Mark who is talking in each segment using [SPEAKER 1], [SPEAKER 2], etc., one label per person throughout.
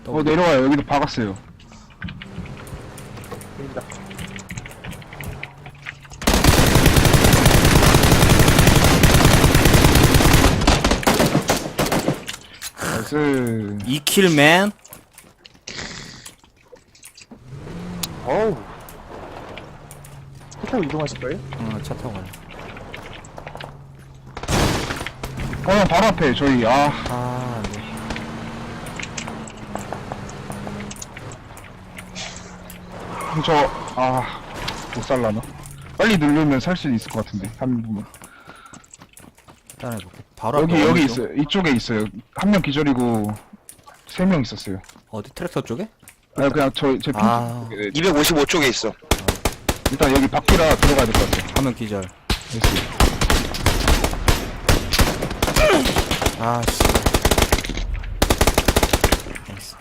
[SPEAKER 1] 내려와요. 여기도 박았어요.
[SPEAKER 2] 보인다.
[SPEAKER 1] 나이스.
[SPEAKER 3] 2킬맨.
[SPEAKER 2] 어우. 차 타고 이동하실 거예요?
[SPEAKER 3] 차 타고 가요.
[SPEAKER 1] 형 바로 앞에 저희
[SPEAKER 3] 네.
[SPEAKER 1] 못 살라나? 빨리 누르면 살 수 있을 것 같은데 한 분은.
[SPEAKER 3] 일단 해볼게. 바로
[SPEAKER 1] 여기
[SPEAKER 3] 앞에
[SPEAKER 1] 여기
[SPEAKER 3] 어느 쪽?
[SPEAKER 1] 있어요. 이쪽에 있어요. 한 명 기절이고 3명 있었어요.
[SPEAKER 3] 어디 트랙터 쪽에?
[SPEAKER 1] 아니 그냥 제 핑.
[SPEAKER 3] 아.
[SPEAKER 4] 255쪽에 있어.
[SPEAKER 1] 일단 여기 밖이라 들어가야 될 것 같아요.
[SPEAKER 3] 한 명 기절.
[SPEAKER 1] 나이스.
[SPEAKER 3] 아씨. 나이스.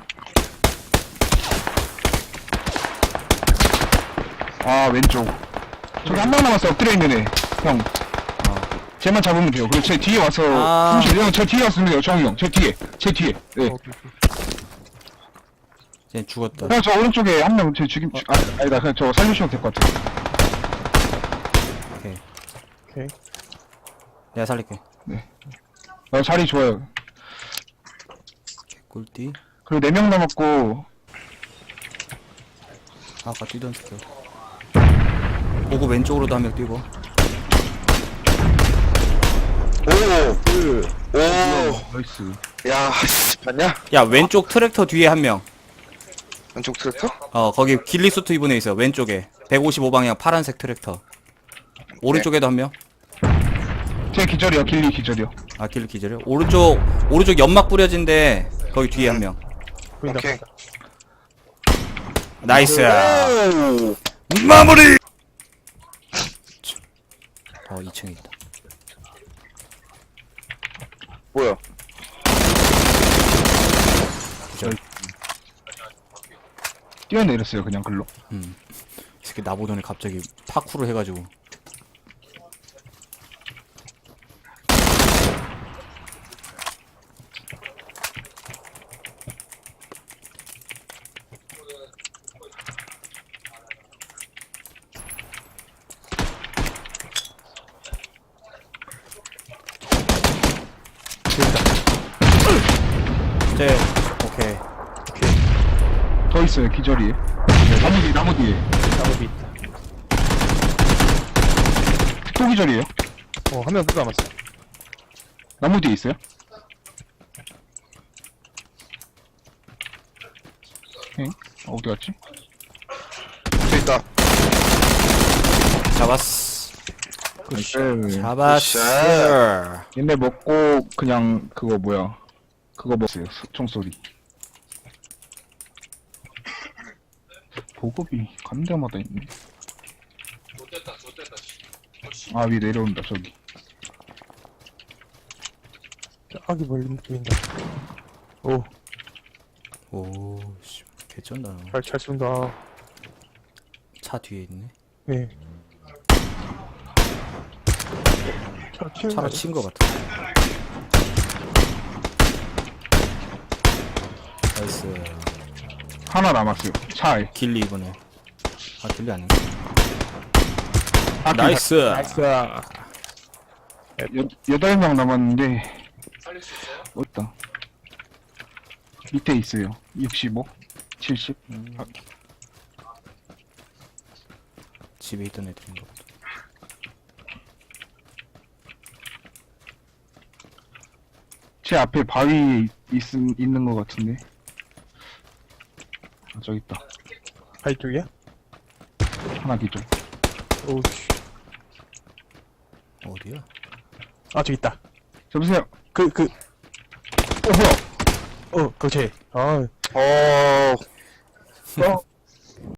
[SPEAKER 1] 왼쪽. 저기 한 명 남았어. 엎드려 있는 애. 형. 쟤만 잡으면 돼요. 그리고 제 뒤에 와서 형, 제 뒤에 왔으면 돼요. 정이 형. 제 뒤에. 네.
[SPEAKER 3] 쟤 죽었다.
[SPEAKER 1] 그냥 저 오른쪽에 한 명 제 아니다. 그냥 저 살려주시면 될 것 같아요.
[SPEAKER 2] 오케이.
[SPEAKER 3] 내가 살릴게.
[SPEAKER 1] 자리 좋아요.
[SPEAKER 3] 꿀띠.
[SPEAKER 1] 그리고 4명 남았고.
[SPEAKER 3] 아까 뛰던 새끼. 보고 왼쪽으로도 한 명 뛰고.
[SPEAKER 4] 오!
[SPEAKER 1] 나이스.
[SPEAKER 4] 야, 씨, 봤냐?
[SPEAKER 3] 야, 왼쪽 트랙터 뒤에 한 명.
[SPEAKER 4] 왼쪽 트랙터?
[SPEAKER 3] 거기 길리 수트 입은 애 있어. 왼쪽에. 155방향 파란색 트랙터. 오른쪽에도 한 명.
[SPEAKER 1] 제 기절이요. 길리 기절이요.
[SPEAKER 3] 아, 길리 기절이요? 오른쪽 연막 뿌려진데, 거기 뒤에 한 명.
[SPEAKER 2] 보인다.
[SPEAKER 4] 오케이.
[SPEAKER 3] 나이스!
[SPEAKER 4] 오!
[SPEAKER 3] 마무리! 2층에 있다.
[SPEAKER 4] 뭐야?
[SPEAKER 3] 기절.
[SPEAKER 1] 뛰어내렸어요. 그냥 글로.
[SPEAKER 3] 이 새끼 나보더니 갑자기 파쿠르 해가지고. 오케이.
[SPEAKER 1] 더 있어요. 기절이. 나무 뒤에.
[SPEAKER 2] 나무 뒤 있다.
[SPEAKER 1] 또 기절이에요.
[SPEAKER 2] 한 명 또 남았어.
[SPEAKER 1] 나무 뒤에 있어요. 어디 갔지?
[SPEAKER 4] 저 있다.
[SPEAKER 3] 잡았어.
[SPEAKER 1] 네.
[SPEAKER 3] 잡았어.
[SPEAKER 1] 옛날 먹고 그냥 그거 먹었어요. 총소리. 보급이 가는 데마다 있네. 위 내려온다 저기.
[SPEAKER 2] 저기 멀리 보인다. 오,
[SPEAKER 3] 오, 씨, 개쩐다.
[SPEAKER 2] 잘 쏜다.
[SPEAKER 3] 차 뒤에 있네.
[SPEAKER 2] 네.
[SPEAKER 3] 차로 친 거 같아. 나이스.
[SPEAKER 1] 하나 남았어요. 차에.
[SPEAKER 3] 길리 이번에. 아, 길리 아닌가?
[SPEAKER 1] 아,
[SPEAKER 3] 나이스.
[SPEAKER 2] 나이스.
[SPEAKER 1] 8명 남았는데. 어디다? 밑에 있어요. 65, 70.
[SPEAKER 3] 집에 있던 애들인 거 같아.
[SPEAKER 1] 제 앞에 바위 있는 것 같은데. 저기 있다.
[SPEAKER 2] 바위 쪽이야?
[SPEAKER 1] 하나 기절.
[SPEAKER 2] 오우씨.
[SPEAKER 3] 어디야?
[SPEAKER 2] 저기 있다.
[SPEAKER 1] 잡으세요.
[SPEAKER 2] 뭐야? 그거 쟤.
[SPEAKER 4] 어,
[SPEAKER 1] 어,